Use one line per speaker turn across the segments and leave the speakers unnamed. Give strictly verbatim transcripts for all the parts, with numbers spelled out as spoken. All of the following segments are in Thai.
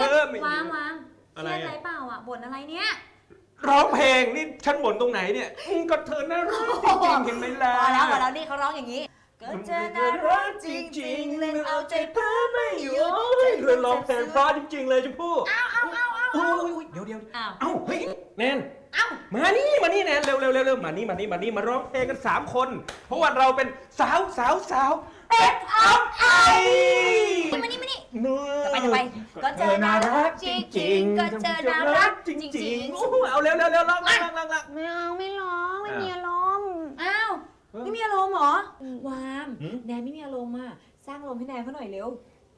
อไม่
วางวาง
อะไร
เครียดอะไรเปล่าอ่ะบ่นอะไรเนี่ย
ร้องเพลงนี่ฉันบ่นตรงไหนเนี่ยก็เธอน่ารักจริงๆเห็นไหมล่ะ
พอแล้วพอแล้วนี่เขาร้องอย่างนี้ก็เจอน่ารักจริงๆเล่นเอาใจเพ้อไม่หยุด
เธอร้องเพลงเพราะจริงๆเลยชมพู่
เอาเอาเอาเอา
โอ้ยเดี๋ยวเดี๋ยว
เอา
เอ้าเฮ้ยแนน
เอา
มานี่มานี่แนนเร็วเร็วเร็วเร็วมานี่มานี่มานี่มาร้องเพลงกันสามคน เพราะว่าเราเป็นสาวสาวสาวเป็ดออฟไอ
มานี่มานี่
เนื้อ
จะไปจะไปก็เจอน่ารักจริงๆก็เจอน่ารักจริงๆ
โอ้โหเอาเร็วเร็วเร็วร้องร้องร้องร้อง
ไม่เอาไม่ร้องไม่มีอารมณ์
อ้าวไม่มีอารมณ์เหรอ
อืม
วามแนนไม่มีอารมณ์อ่ะสร้างอารมณ์ให้แนนเขาหน่อยเร็ว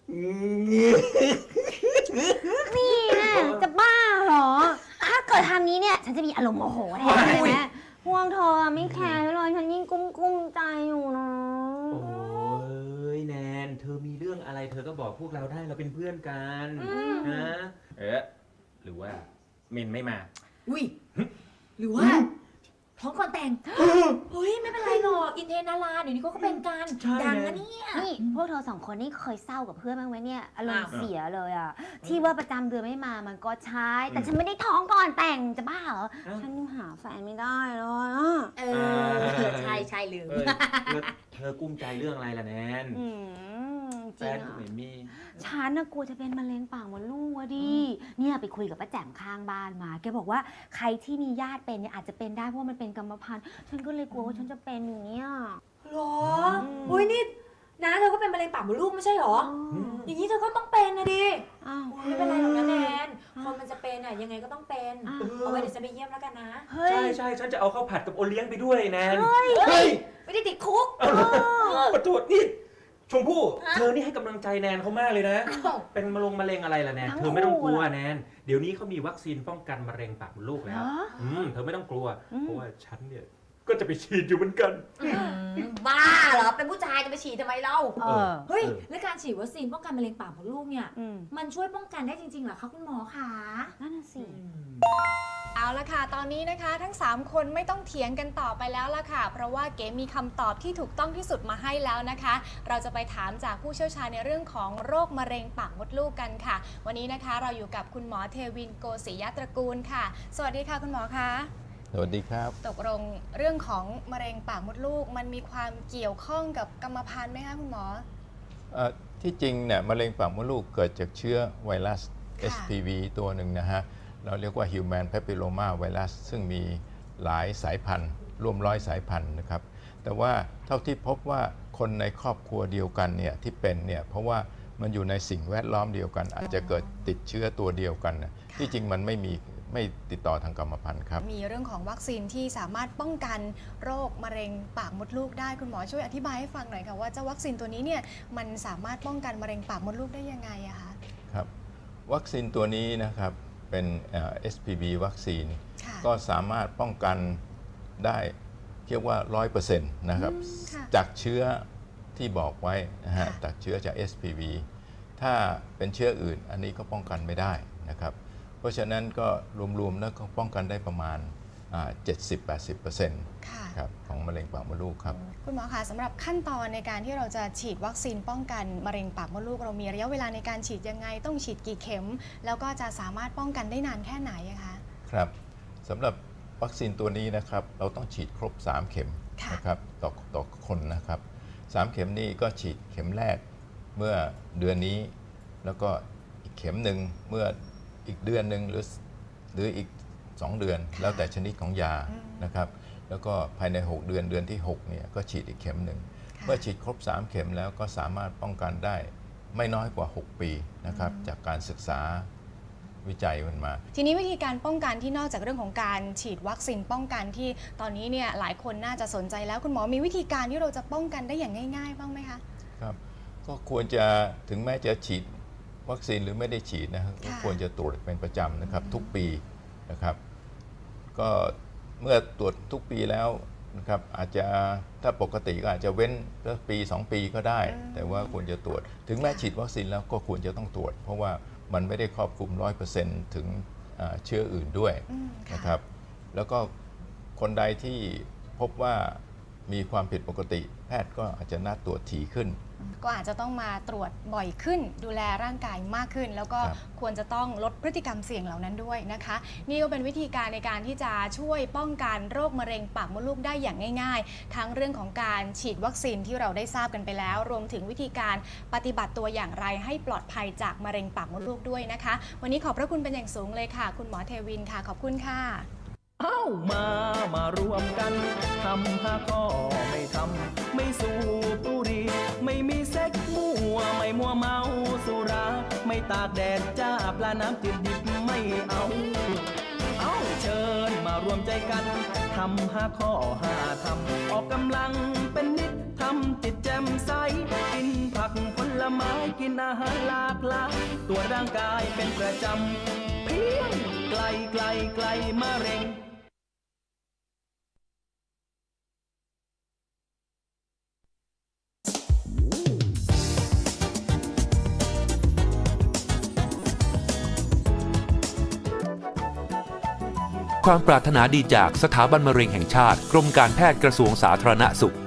นี่นะจะบ้าเหรอ ถ้าเกิดทำนี้เนี่ยฉันจะมีอารมณ์โมโหแทนเลยนะพวกเธอไม่แคร์เลยฉันยิ่งกุ้มกุ้มใจอยู่นะ
โอ้ยแนนเธอมีเรื่องอะไรเธอก็บอกพวกเราได้เราเป็นเพื่อนกันนะเอ๊ะหรือว่าเมนไม่มา
อุ้ยหรือว่าท้องก่อนแต่งเฮ้ยไม่เป็นไรหรอกอินเทนนาราเดี๋ยวนี้เขาก็เป็นกัน
ใช่
ดัง
นะ
นะเนี่ย
นี่พวกเธอสองคนนี่เคยเศร้ากับเพื่อนบ้างไหมเนี่ยอารมณ์
อ้าว
เสียเลยอ่ะที่ว่าประจำเดือนไม่มามันก็ใช่แต่ฉันไม่ได้ท้องก่อนแต่งจะบ้าเหรอฉันยังหาแฟนไม่ได้เลยอ่ะ
เออใช่ใช่ลืม
เอ้ยแล้วเธอกุ้มใจเรื่องอะไรล่ะแนน
อืมจ
แฟ
ริง
นก็
อ่ะ
ไม่มี
ฉันน่ะกลัวจะเป็นมะเร็งปากมดลูกอะดิ เนี่ยไปคุยกับป้าแจ่มข้างบ้านมา แกบอกว่าใครที่มีญาติเป็นเนี่ยอาจจะเป็นได้เพราะว่ามันเป็นกรรมพันธุ์ ฉันก็เลยกลัวว่าฉันจะเป็นอย่างเงี้ย
หรออุ้ยนี่นะเธอก็เป็นมะเร็งปากมดลูกไม่ใช่หรอ อย่างนี้เธอก็ต้องเป็นนะดิ
อ้าว
ไม่เป็นไรหรอกนะแนนคนมันจะเป็นอ่ะยังไงก็ต้องเป็น
อ้าว
เอาไว้เดี๋ยวฉันไปเยี่ยมแล้วกันนะ
เฮ้ย
ใช่ใช่ฉันจะเอาข้าวผัดกับโอเลี้ยงไปด้วยแนน
เฮ้ยไม่ได้ติดคุก
ขอโทษนี่ชมพู่
ฮะ
เธอนี่ให้กำลังใจแนนเขามากเลยนะ
อ้าว
เป็นมะลงมะเร็งอะไรล่ะแนน
ทั้ง
เธอไม่ต้องกลัว
คู่เหรอ
แนนเดี๋ยวนี้เขามีวัคซีนป้องกันมะเร็งปากมดลูก
เหร
แล้ว
อ
อืมเธอไม่ต้องกลัว
อืม
เพราะว่าฉันเนี่ยก็จะไปฉีดอยู่เหมือนกัน
บ้าเหรอ เป็นผู้ชายจะไปฉีดทำไมเล่า
เออ
เฮ้ย แล้วการฉีดวัคซีนป้องกันมะเร็งปากมดลูกเนี่ย
อืม
มันช่วยป้องกันได้จริงๆเหรอคะคุณหมอคะ
นั่นน่ะสิ
เอาละค่ะ ตอนนี้นะคะทั้งสามคนไม่ต้องเถียงกันต่อไปแล้วละค่ะ เพราะว่าเก๋มีคำตอบที่ถูกต้องที่สุดมาให้แล้วนะคะ เราจะไปถามจากผู้เชี่ยวชาญในเรื่องของโรคมะเร็งปากมดลูกกันค่ะ วันนี้นะคะเราอยู่กับคุณหมอเทวินโกศิยตระกูลค่ะ สวัสดีค่ะคุณหมอคะ
สวัสดีครับ
ตกลงเรื่องของมะเร็งปากมดลูก มันมีความเกี่ยวข้องกับกรรมพันธุ์ไหมคะคุณหมอ
เอ่อที่จริงเนี่ยมะเร็งปากมดลูกเกิดจากเชื้อไวรัส
ค่ะ
เอส พี วี ตัวหนึ่งนะฮะ เราเรียกว่า Human Papilloma Virus ซึ่งมีหลายสายพันธุ์ร่วมร้อยสายพันธุ์นะครับ แต่ว่าเท่าที่พบว่าคนในครอบครัวเดียวกันเนี่ยที่เป็นเนี่ยเพราะว่ามันอยู่ในสิ่งแวดล้อมเดียวกัน อาจจะเกิดติดเชื้อตัวเดียวกันนะที่จริงมันไม่มีไม่ติดต่อทางกรรมพันธุ์ครับ
มีเรื่องของวัคซีนที่สามารถป้องกันโรคมะเร็งปากมดลูกได้คุณหมอช่วยอธิบายให้ฟังหน่อยค่ะว่าเจ้าวัคซีนตัวนี้เนี่ยมันสามารถป้องกันมะเร็งปากมดลูกได้ยังไงอะคะ
ครับวัคซีนตัวนี้นะครับเป็นเอ่อ เอส พี วี วัคซีน
ค่ะ
ก็สามารถป้องกันได้เรียกว่า ร้อยเปอร์เซ็นต์ นะครับ
อืมค่ะ
จากเชื้อที่บอกไว้นะฮะ
ค่ะ
จากเชื้อจาก เอส พี วี ถ้าเป็นเชื้ออื่นอันนี้ก็ป้องกันไม่ได้นะครับ เพราะฉะนั้นก็รวมๆแล้วก็ป้องกันได้ประมาณ เจ็ดสิบถึงแปดสิบเปอร์เซ็นต์
ค่ะ
ครับของมะเร็งปากมดลูกครับ
คุณหมอคะสำหรับขั้นตอนในการที่เราจะฉีดวัคซีนป้องกันมะเร็งปากมดลูก เรามีระยะเวลาในการฉีดยังไงต้องฉีดกี่เข็ม แล้วก็จะสามารถป้องกันได้นานแค่ไหนอะคะ
ครับสำหรับวัคซีนตัวนี้นะครับเราต้องฉีดครบ สาม เข็ม
ค่ะ
นะครับต่อต่อคนนะครับสามเข็มนี้ก็ฉีดเข็มแรกเมื่อเดือนนี้ แล้วก็อีกเข็มหนึ่งเมื่ออีกเดือนหนึ่งหรือหรืออีกสองเดือน แล้วแต่ชนิดของยานะครับแล้วก็ภายในหกเดือนเดือนที่หกเนี่ยก็ฉีดอีกเข็มหนึ่ง
ค่ะ
เมื่อฉีดครบ สาม เข็มแล้วก็สามารถป้องกันได้ไม่น้อยกว่า หก ปีนะครับจากการศึกษาวิจัยมันมา
ทีนี้วิธีการป้องกันที่นอกจากเรื่องของการฉีดวัคซีนป้องกันที่ตอนนี้เนี่ยหลายคนน่าจะสนใจแล้วคุณหมอมีวิธีการที่เราจะป้องกันได้อย่างง่ายๆบ้างไหมคะ
ครับก็ควรจะถึงแม้จะฉีดวัคซีนหรือไม่ได้ฉีดนะครับก็
ค่ะ
ควรจะตรวจเป็นประจำนะครับทุกปีนะครับก็เมื่อตรวจทุกปีแล้วนะครับอาจจะถ้าปกติก็อาจจะเว้นสักปีสองปีก็ได้ แต่ว่าควรจะตรวจ ถึงแม้ฉีดวัคซีนแล้วก็ควรจะต้องตรวจ เพราะว่ามันไม่ได้ครอบคลุม ร้อยเปอร์เซ็นต์ ถึงอ่าเชื้ออื่นด้วย
อืมค่ะ
นะครับแล้วก็คนใดที่พบว่ามีความผิดปกติ แพทย์ก็อาจจะนัดตรวจถี่ขึ้น
ก็อาจจะต้องมาตรวจบ่อยขึ้น ดูแลร่างกายมากขึ้น แล้วก็
ครับ
ควรจะต้องลดพฤติกรรมเสี่ยงเหล่านั้นด้วยนะคะ นี่ก็เป็นวิธีการในการที่จะช่วยป้องกันโรคมะเร็งปากมดลูกได้อย่างง่ายๆ ทั้งเรื่องของการฉีดวัคซีนที่เราได้ทราบกันไปแล้ว รวมถึงวิธีการปฏิบัติตัวอย่างไรให้ปลอดภัยจากมะเร็งปากมดลูกด้วยนะคะ วันนี้ขอบพระคุณเป็นอย่างสูงเลยค่ะ คุณหมอเทวินค่ะขอบคุณค่ะ
เอ้ามามารวมกันทำห้าข้อไม่ทำไม่สูบบุหรี่ไม่มีเซ็กมั่วไม่มัวเมาสุรา ไม่ตากแดดจ้าปลาน้ำจืดดิบไม่เอา เอ้าเชิญมารวมใจกันทำห้าข้อห้าทำออกกำลังเป็นนิดทำจิตแจ่มใสกินผักผลไม้กินอาหารหลากหลายตัวร่างกายเป็นประจำเพียงไกลไกลไกลมะเร็ง
ความปรารถนาดีจากสถาบันมะเร็งแห่งชาติกรมการแพทย์กระทรวงสาธารณสุข